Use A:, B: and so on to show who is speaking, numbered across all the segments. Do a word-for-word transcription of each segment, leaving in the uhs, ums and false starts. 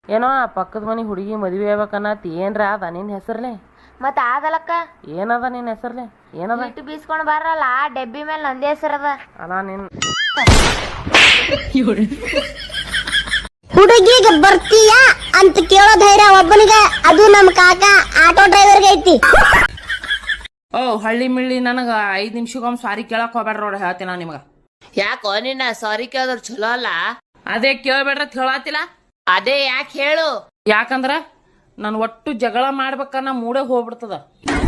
A: ಏನೋ ಆ ಪಕ್ಕದ ಮನೆ ಹುಡುಗಿ ಮದುವೆ ಆಗ್ಬೇಕನ್ನತಿ ಏನ್ರ ಅದ ನಿನ್ನ ಹೆಸರ್ಲೆ?
B: ಮತ್ತ ಆಗಲಕ್ಕ
A: ಏನದ ನಿನ್ನ ಹೆಸರ್ಲೆ? ಏನದ?
B: ಇಟ್ಟು ಬೀಸ್ಕೊಂಡ್ ಬರಲ್ಲ ಆ ಡೆಬ್ಬಿ ಮೇಲೆ ನಂದೇ ಹೆಸರದ.
A: ಅಲ್ಲ ನಿನ್
C: ಹುಡುಗಿಗೆ ಬರ್ತೀಯಾ ಅಂತ ಕೇಳೋ ಧೈರ್ಯ ಒಬ್ಬನಿಗೆ, ಅದು ನಮ್ಮ ಕಾಕ ಆಟೋ ಡ್ರೈವರ್ಗೆ ಐತಿ.
A: ಓ ಹಳ್ಳಿ ಮಿಳ್ಳಿ ನನಗ ಐದ್ ನಿಮಿಷಕ್ಕೊಮ್ಮೆ ಸಾರಿ ಕೇಳಕ್ ಹೋಗ್ಬೇಡ್ರ ನೋಡ, ಹೇಳ್ತೀನಿ ನಾ ನಿಮಗ.
B: ಯಾಕೋ ನಿನ್ನ ಸಾರಿ ಕೇಳಿದ್ರ ಚಲೋ ಅಲ್ಲ?
A: ಅದೇ ಕೇಳ್ಬೇಡ್ರ ಹೇಳತ್ತಿಲ್ಲ.
B: ಅದೇ ಯಾಕೆ ಹೇಳು?
A: ಯಾಕಂದ್ರ ನನ್ ಒಟ್ಟು ಜಗಳ ಮಾಡ್ಬೇಕನ್ನ ಮೂಡೆ ಹೋಗ್ಬಿಡ್ತದ.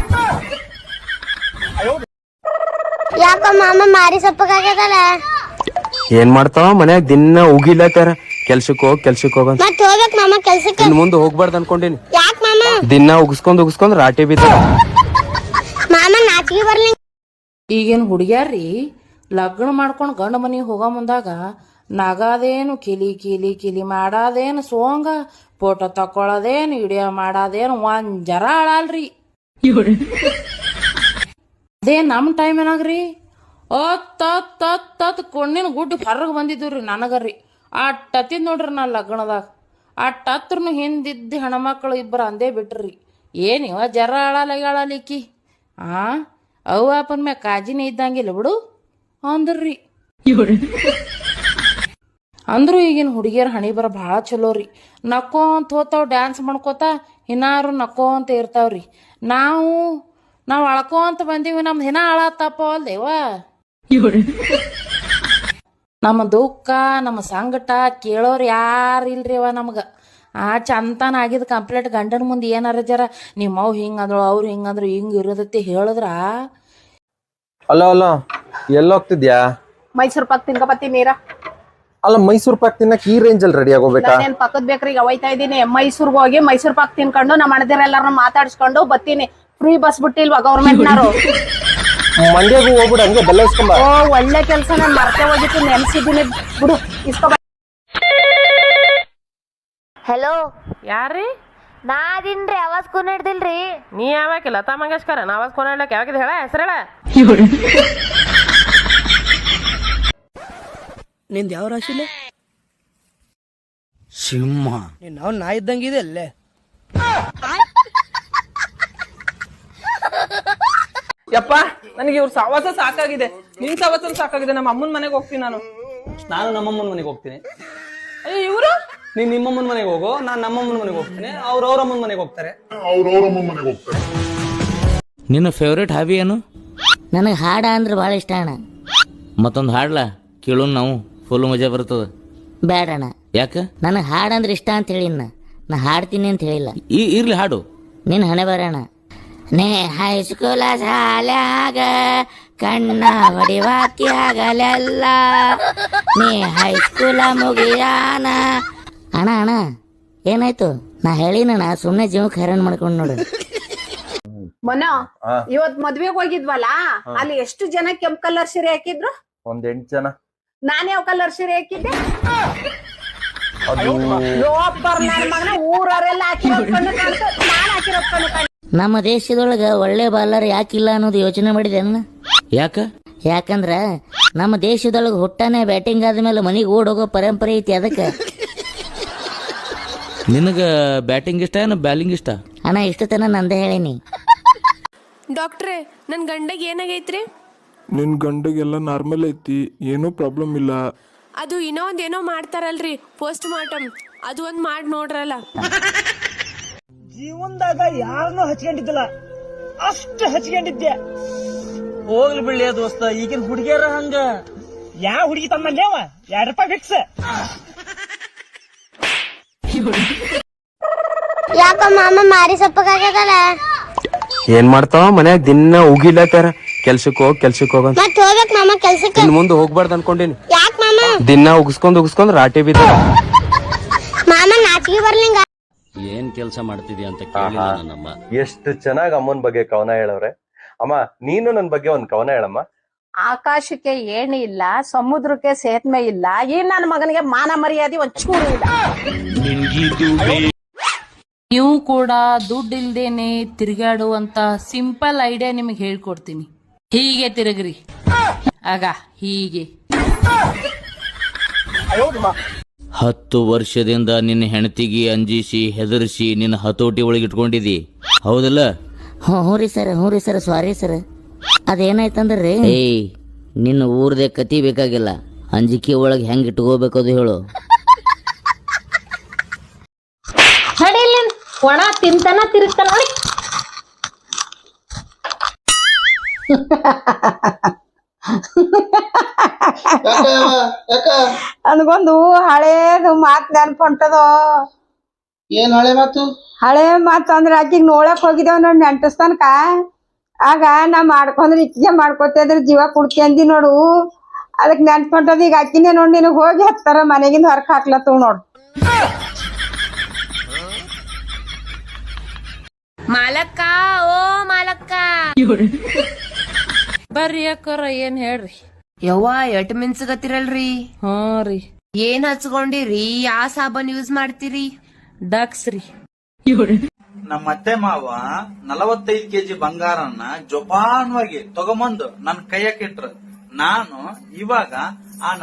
C: ಯಾಕೋ ಮಾಮ ಮಾರಿ ಸಪ್ಪಗಾಗ್ಯದಲ್ಲ.
D: ಏನ್ ಮಾಡ್ತಾವ ಮನ್ಯಾಗ ದಿನ ಉಗಿಲತ್ತಾರ, ಕೆಲ್ಸಕ್ ಹೋಗ್ ಕೆಲ್ಸಕ್ ಹೋಗ
C: ಮತ್ ಹೋಗ್ಬೇಕ್ ಮಾಮ ಕೆಲ್ಸಕ್ಕೆ.
D: ಇನ್ ಮುಂದೆ ಹೋಗ್ಬಾರ್ದು ಅನ್ಕೊಂಡಿನಿ.
C: ಯಾಕ ಮಾಮ?
D: ದಿನ ಉಗಿಸ್ಕೊಂಡ್ ಉಗಿಸ್ಕೊಂಡ್ ರಾಟಿ ಬಿದ್ದ.
C: ಮಾಮ ನಾಚಿಗೆ ಬರ್ಲಿ.
A: ಈಗೇನ್ ಹುಡುಗ್ಯಾರ್ರಿ ಲಗ್ನ ಮಾಡ್ಕೊಂಡ್ ಗಂಡ ಮನಿ ಹೋಗೋ ಮುಂದಾಗ ನಗಾದೇನು ಕಿಲಿ ಕಿಲಿ ಕಿಲಿ ಮಾಡಾದೇನು ಸೋಂಗ, ಫೋಟೋ ತಕೊಳದೇನು ವಿಡಿಯೋ ಮಾಡಾದೇನು ಒಂದ್ ಜರ ಆಳಲ್ರಿ. ಅದೇ ನಮ್ ಟೈಮ್ ಏನಾಗ್ರಿ ಅತ್ ಕೊಂಡಿನ ಗುಡ್ಡ ಹೊರಗ್ ಬಂದಿದ್ವಿ ನನಗರಿ. ಅಟ್ಟತ್ತಿದ್ ನೋಡ್ರಿ ನಾ ಲಗ್ನದಾಗ. ಅಟ್ಟತ್ರನು ಹಿಂದಿದ್ದ ಹೆಣ್ಮಕ್ಳು ಇಬ್ಬರು ಅಂದೇ ಬಿಟ್ರಿ, ಏನಿವ ಜರ ಆಳಲಿಕ್ಕಿ ಆ ಅವು ಅಪ್ಪನ ಮ್ಯಾಗ ಕಾಜಿನೇ ಇದ್ದಂಗಿಲ್ಲ ಬಿಡು ಅಂದ್ರಿ. ಅಂದ್ರು ಈಗಿನ ಹುಡುಗಿಯರ್ ಹಣಿ ಬರ ಭಾಳ ಚಲೋ ರೀ. ನಕ್ಕೋಂತ ಹೋತಾವ್, ಡ್ಯಾನ್ಸ್ ಮಾಡ್ಕೋತ ಇನ್ನಾರು ನಕ್ಕೋಂತ ಇರ್ತಾವ್ರಿ. ನಾವು ನಾವು ಅಳ್ಕೋಂತ ಬಂದೀವಿ, ನಮ್ದು ಹಿನ ಅಳತ್ತಪ್ಪ ಅಲ್ದೇವ. ನಮ್ಮ ದುಃಖ ನಮ್ಮ ಸಂಕಟ ಕೇಳೋರು ಯಾರು ಇಲ್ರಿ ಅವ ನಮ್ಗ. ಆ ಚಂತನ ಆಗಿದ್ ಕಂಪ್ಲೇಂಟ್ ಗಂಡನ ಮುಂದೆ ಏನಾರ ಜರ ನಿಮ್ಮವ್ ಹಿಂಗಂದ್ರು ಅವ್ರು ಹಿಂಗಂದ್ರು ಹಿಂಗ ಇರೋದತ್ತೆ ಹೇಳಿದ್ರ.
D: ಅಲ್ಲ ಅಲ್ಲ ಎಲ್ಲೋಗ್ತಿದ್ಯಾ?
E: ಮೈಸೂರ್ ಪಾಕ್ ತಿನ್ಕಬತ್ತೀನಿ ನೀರ.
D: ಅಲ್ಲ ಮೈಸೂರ್ ಪಾಕ್ ತಿನ್ನಕ್ ಈ ರೇಂಜ್ ಅಲ್ಲಿ ರೆಡಿ ಆಗೋಬೇಕಾ?
E: ನಾನೇನ್ ಪಕ್ಕದ ಬೇಕ್ರಿಗೆ ಒಯ್ತಾ ಇದ್ದೀನಿ. ಮೈಸೂರ್ಗೆ ಹೋಗಿ ಮೈಸೂರ್ ಪಾಕ್ ತಿನ್ಕೊಂಡು ನಮ್ಮ ಅಣ್ಣದಿರೆಲ್ಲಾರನ್ನ ಮಾತಾಡ್ಸ್ಕೊಂಡು ಬತ್ತೀನಿ. Free bus ಬಿಟ್ಟಿಲ್ವಾ ಗೌರ್ಮೆಂಟ್ನವರು?
D: ಮಂಡ್ಯಗೂ ಹೋಗ್ಬಿಡ, ಹಂಗೆ ಬೆಲ್ಲ ಇಸ್ಕೊಂಬ.
E: ಓ ಒಳ್ಳೆ ಕೆಲ್ಸ, ನಾನು ಮರ್ತೆ ಹೋಗಿತ್ತು, ನೆನ್ಸಿದ್ದೀನಿ ಬಿಡು. ಇಸ್ಕೊ.
B: ಹೆಲೋ
A: ಯಾರ್ರಿ?
B: ನಾ ಅದಿನ್ರಿ, ಅವಾಜ್ ಕೂನ್ ಹಿಡ್ದಿಲ್ರಿ.
A: ನೀ ಯಾವಾಗ ಲತಾ ಮಂಗೇಶ್ಕರ ನಾವಾಜ್ ಕೊನಾಡ್ಲಕ್ ಯಾವಾಗಿದ್ ಹೇಳ ಹೆಸರೇಳ?
F: ನಿಂದ ಯಾವ ರಾಶಿಲೆ? ಸಿಂಹ. ನಾವು ನಾ ಇದ್ದಂಗಿದೆ ಅಲ್ಲೇ.
G: ಯಪ್ಪ ನನಗೆ ಇವ್ರ ಸವಾಸ ಸಾಕಾಗಿದೆ. ನಿನ್ ಸವಾಸ ಸಾಕಾಗಿದೆ. ನಮ್ಮ ಅಮ್ಮನ ಮನೆಗೆ ಹೋಗ್ತೀನಿ ನಾನು.
H: ನಾನು ನಮ್ಮಮ್ಮನ ಮನೆಗೆ ಹೋಗ್ತೀನಿ.
G: ಅಯ್ಯೋ ಇವ್ರು?
H: ನೀನ್ ನಿಮ್ಮಮ್ಮನ ಮನೆಗೆ ಹೋಗೋ, ನಾನ್ ನಮ್ಮಮ್ಮನ ಮನೆಗೆ ಹೋಗ್ತೀನಿ. ಅವ್ರ ಅವ್ರಮ್ಮನ ಮನೆಗೆ ಹೋಗ್ತಾರೆ.
I: ನಿನ್ನ ಫೇವ್ರೇಟ್ ಹಾಬಿ ಏನು?
J: ನನಗೆ ಹಾಡ ಅಂದ್ರೆ ಭಾಳ ಇಷ್ಟ ಅಣ್ಣ.
I: ಮತ್ತೊಂದು ಹಾಡ್ಲಾ ಕೇಳೋನ್, ನಾವು ಫುಲ್ ಮಜಾ ಬರ್ತದ.
J: ಬೇಡಣ್ಣ.
I: ಯಾಕ?
J: ನನಗೆ ಹಾಡಂದ್ರೆ ಇಷ್ಟ ಅಂತ ಹೇಳಿನ, ನಾ ಹಾಡ್ತೀನಿ ಅಂತ ಹೇಳಿಲ್ಲ.
I: ಈ ಇರ್ಲಿ ಹಾಡು.
J: ನಿನ್ನ ಹಣೆ ಬರೋಣ. ನೇ ಹೈಸ್ಕೂಲ ಶಾಲ್ಯಾಗ ಕಣ್ಣ ಹೊಡಿವಾತಿ ಆಗಲೆಲ್ಲ, ನೀ ಹೈಸ್ಕೂಲ ಮುಗಿಯಾನ. ಅಣ್ಣ ಅಣ್ಣ ಏನಾಯ್ತು? ನಾ ಹೇಳಿನಣ್ಣ, ಸುಮ್ಮನೆ ಜೀವಕ್ಕೆ ಹೈರಾಣ ಮಾಡ್ಕೊಂಡು ನೋಡು.
E: ಮನೋ, ಇವತ್ ಮದ್ವೆಗ್ ಹೋಗಿದ್ವಲ್ಲ, ಅಲ್ಲಿ ಎಷ್ಟು ಜನ ಕೆಂಪ್ ಕಲರ್ ಸೀರೆ ಹಾಕಿದ್ರು?
D: ಒಂದ್ ಎಂಟು ಜನ.
E: ನಾನ್ ಯಾವ ಕಲರ್ ಸೀರೆ ಹಾಕಿದ್ದೆ? ಲೋಪರ್ ನನ್ನ ಮಗನ ಊರವರೆಲ್ಲ ಹಾಕಿರೋದ್ ಕಣ್ಣು ಕಾಣ್ತು, ನಾನ್ ಹಾಕಿರೋದ್ ಕಣ್ಣು ಕಾಣ್ತು.
J: ನಮ್ಮ ದೇಶದೊಳಗ ಒಳ್ಳೆ ಬಾಲರ್ ಯಾಕಿಲ್ಲ ಅನ್ನೋದು ಯೋಚನೆ ಮಾಡಿದೆ ಅಣ್ಣ.
I: ಯಾಕ?
J: ಯಾಕಂದ್ರ ನಮ್ಮ ದೇಶದೊಳಗ ಹುಟ್ಟಾನೆ ಬ್ಯಾಟಿಂಗ್ ಆದ್ಮೇಲೆ ಮನಿಗೆ ಓಡೋಗೋ ಪರಂಪರೆ ಐತಿ, ಅದಕ್ಕೆ.
I: ನಿನಗ ಬ್ಯಾಟಿಂಗ್ ಇಷ್ಟ ಏನ ಬ್ಯಾಲಿಂಗ್ ಇಷ್ಟ?
J: ಅಣ್ಣ ಇಷ್ಟು ತನ ನಂದೇ ಹೇಳೀನಿ.
K: ಡಾಕ್ಟ್ರೇ, ನನ್ ಗಂಡಗ್ ಏನಾಗೈತ್ರಿ?
L: ನಿನ್ ಗಂಡಗೆಲ್ಲ ನಾರ್ಮಲ್ ಐತಿ, ಏನೂ ಪ್ರಾಬ್ಲಮ್ ಇಲ್ಲ.
K: ಅದು ಇನ್ನೊಂದ್ ಏನೋ ಮಾಡ್ತಾರಲ್ರಿ, ಪೋಸ್ಟ್ ಮಾರ್ಟಮ್, ಅದು ಒಂದ್ ಮಾಡಿ ನೋಡ್ರಲ್ಲ.
F: ಜೀವನದಾಗ ಯಾರನ್ನೂ ಹಚ್ಕೊಂಡಿದ್ದಿಲ್ಲ, ಅಷ್ಟು ಹಚ್ಕೊಂಡಿದ್ದೆ.
H: ಹೋಗ್ಲಿ ಬಿಡ್ಲಿ ದೋಸ್ತ, ಈಗಿನ ಹುಡುಗಿಯರ ಹಂಗ.
F: ಯಾವ ಹುಡುಗಿ ತಮ್ಮಲ್ಲೇವ? ಎರಡ್ ರೂಪಾಯಿ ಫಿಕ್ಸ್.
C: ಯಾಕೋ ಮಾಮ ಮಾರಿ ಸಪ್ಪಗಾಗ್ಯದಲ್ಲ.
D: ಏನ್ ಮಾಡ್ತಾವ ಮನ್ಯಾಗ ದಿನ ಉಗಿಲತ್ತಾರ, ಕೆಲ್ಸಕ್ ಹೋಗ್ ಕೆಲ್ಸಕ್ ಹೋಗ
C: ಮತ್ ಹೋಗ್ಬೇಕ್ ಮಾಮ ಕೆಲ್ಸಕ್ಕೆ.
D: ಇನ್ ಮುಂದೆ ಹೋಗ್ಬಾರ್ದು ಅನ್ಕೊಂಡಿನಿ.
C: ಯಾಕ ಮಾಮ?
D: ದಿನ ಉಗಿಸ್ಕೊಂಡ್ ಉಗಿಸ್ಕೊಂಡ್ ರಾಟಿ ಬಿದ್ದ.
C: ಮಾಮ ನಾಚಿಗೆ ಬರ್ಲಿಂಗ.
I: ಏನ್ ಕೆಲಸ ಮಾಡ್ತಿದ್ಯಾ ಅಂತ ಕೇಳಿಲ್ಲ ನನ್ನಮ್ಮ.
D: ಎಷ್ಟು ಚೆನ್ನಾಗ್ ಅಮ್ಮನ್ ಬಗ್ಗೆ ಕವನ ಹೇಳವ್ರೆ. ಅಮ್ಮ ನೀನು ನನ್ ಬಗ್ಗೆ ಒಂದ್ ಕವನ ಹೇಳಮ್ಮ.
E: ಆಕಾಶಕ್ಕೆ ಏಣಿ ಇಲ್ಲ, ಸಮುದ್ರಕ್ಕೆ ಸೇತುವೆ ಇಲ್ಲ, ಈ ನನ್ನ ಮಗನಿಗೆ ಮಾನ ಮರ್ಯಾದೆ ಒಂಚೂರು ಇಲ್ಲ.
A: ನೀವು ಕೂಡ ದುಡ್ಡು ಇಲ್ದೇನೆ ತಿರುಗಾಡುವಂತ ಸಿಂಪಲ್ ಐಡಿಯಾ ನಿಮಗೆ ಹೇಳ್ಕೊಡ್ತೀನಿ. ಹೀಗೆ ತಿರುಗ್ರಿ, ಆಗ ಹೀಗೆ
I: ಹತ್ತು ವರ್ಷದಿಂದ ನಿನ್ನ ಹೆಂಡತಿಗೆ ಅಂಜಿಸಿ ಹೆದರ್ಸಿ ನಿನ್ನ ಹತೋಟಿ ಒಳಗೆ ಇಟ್ಕೊಂಡಿದಿ ಹೌದಲ್ಲ?
J: ಹ್ಞೂ ಹ್ಞೂ ರೀ ಸರ್ ಹ್ಞೂ ರೀ ಸರ್ ಸಾರಿ ಸರ್. ಅದೇನಾಯ್ತಂದ್ರೆ ರೀ,
I: ಏಯ್ ನಿನ್ನ ಊರ್ದೆ ಕತಿ ಬೇಕಾಗಿಲ್ಲ, ಅಂಜಿಕೆ ಒಳಗೆ ಹೆಂಗ್ ಇಟ್ಕೋಬೇಕದು ಹೇಳು.
E: ನಡಿಲಿ ಒಣ ತಿಂತಾನ ತಿರುಗ್ತಾನ ನೋಡಿ.
M: ನನಗೊಂದು ಹಳೇದು ಮಾತ್ ನೆನಪು ಹೊಂಟದೋ.
F: ಏನ್ ಹಳೆ ಮಾತು?
M: ಹಳೆ ಮಾತು ಅಂದ್ರೆ ಆಕಿಗ್ ನೋಡಕ್ ಹೋಗಿದ್ದೇವ್ ನೋಡ್ ನೆಂಟಸ್ತನಕ. ಆಗ ನಾ ಮಾಡ್ಕೊಂಡ್ರೆ ಇಕ್ಕಿಗೆ ಮಾಡ್ಕೊತಿದ್ರೆ ಜೀವ ಕುಡ್ತಿ ಅಂದಿ ನೋಡು. ಅದಕ್ ನೆನ್ಪು ಹೊಂಟದ. ಈಗ ಅಕ್ಕಿನೇ ನೋಡ್ ನಿನಗ್ ಹೋಗಿ ಹತ್ತಾರ ಮನೆಗಿಂದ ಹೊರಕ್ ಹಾಕ್ಲತ್ತವ್ ನೋಡ್.
B: ಮಾಲಕ್ಕ ಓ ಮಾಲಕ್ಕ
A: ಬರ್ರಿ ಅಕ್ಕೋರ ಏನ್ ಹೇಳ್ರಿ.
B: ಯವ್ವ ಎಟ್ ಮಿನ್ಸಗತ್ತಿರಲ್ರಿ?
A: ಹ್ಞೂ ರೀ.
B: ಏನ್ ಹಚ್ಕೊಂಡಿರಿ? ಯಾ ಸಾಬನ್ ಯೂಸ್ ಮಾಡ್ತೀರಿ?
A: ಡಕ್ಸ್ ರೀ.
F: ನಮ್ಮ ಅತ್ತೆ ಮಾವ ನಲವತ್ತೈದು ಕೆಜಿ ಬಂಗಾರನ್ನ ಜೋಪಾನವಾಗಿ ತಗೊಂಬಂದು ನನ್ ಕೈಯಾಕಿಟ್ರು. ನಾನು ಇವಾಗ